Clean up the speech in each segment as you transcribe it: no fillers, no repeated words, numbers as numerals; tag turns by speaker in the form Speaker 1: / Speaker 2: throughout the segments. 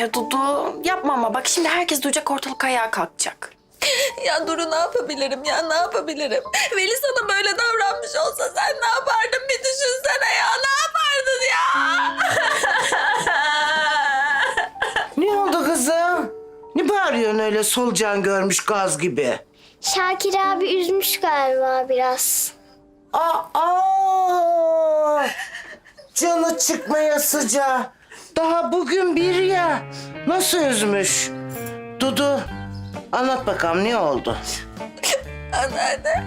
Speaker 1: Ya Dudu yapma ama bak şimdi herkes duyacak, ortalık ayağa kalkacak.
Speaker 2: Ya Duru, ne yapabilirim ya, ne yapabilirim? Veli sana böyle davranmış olsa sen ne yapardın, bir düşünsene ya, ne yapardın ya?
Speaker 3: Ne oldu kızım? Ne bağırıyorsun öyle solucan görmüş gaz gibi?
Speaker 4: Şakir abi üzmüş galiba biraz.
Speaker 3: Aa! Canı çıkmaya sıcağı. Daha bugün bir ya. Nasıl üzmüş? Dudu, anlat bakalım ne oldu?
Speaker 2: Anneanne.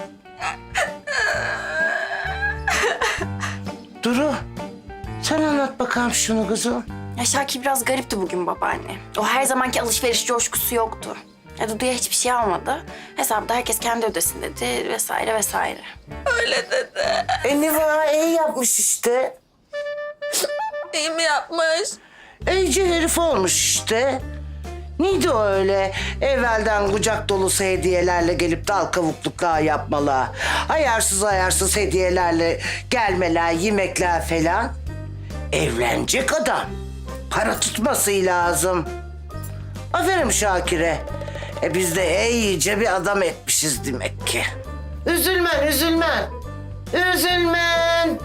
Speaker 3: Duru, sen anlat bakalım şunu kızım.
Speaker 1: Ya Şakir biraz garipti bugün babaanne. O her zamanki alışveriş coşkusu yoktu. Ya Dudu'ya hiçbir şey almadı. Hesabı da herkes kendi ödesin dedi vesaire vesaire.
Speaker 2: Öyle dedi.
Speaker 3: Niva iyi yapmış işte.
Speaker 2: İyi mi yapmış?
Speaker 3: İyice herif olmuş işte. Neydi o öyle? Evvelden kucak dolusu hediyelerle gelip dal kavukluklar yapmalar. Ayarsız ayarsız hediyelerle gelmeler, yemekler falan. Evlenecek adam. Para tutması lazım. Aferin Şakir'e. Biz de iyice bir adam etmişiz demek ki. Üzülmen, üzülmen. Üzülmen.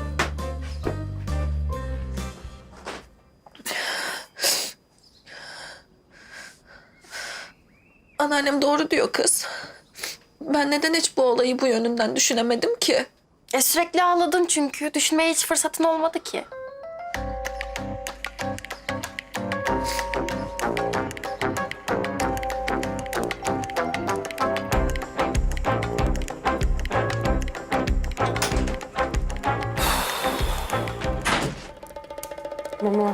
Speaker 2: Anneannem doğru diyor kız. Ben neden hiç bu olayı bu yönünden düşünemedim ki?
Speaker 1: Sürekli ağladın çünkü. Düşünmeye hiç fırsatın olmadı ki.
Speaker 5: Mama.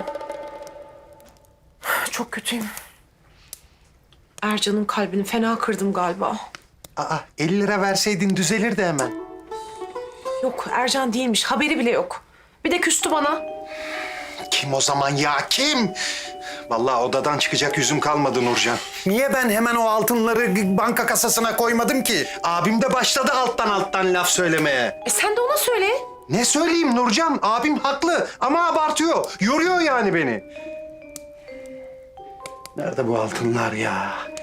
Speaker 5: Çok kötüyüm. Ercan'ın kalbini fena kırdım galiba.
Speaker 6: Aa, 50 lira verseydin düzelirdi hemen.
Speaker 5: Yok, Ercan değilmiş. Haberi bile yok. Bir de küstü bana.
Speaker 6: Kim o zaman ya, kim? Vallahi odadan çıkacak yüzüm kalmadı Nurcan. Niye ben hemen o altınları banka kasasına koymadım ki? Abim de başladı alttan laf söylemeye.
Speaker 5: Sen de ona söyle.
Speaker 6: Ne söyleyeyim Nurcan? Abim haklı ama abartıyor. Yoruyor yani beni. Nerede bu altınlar ya?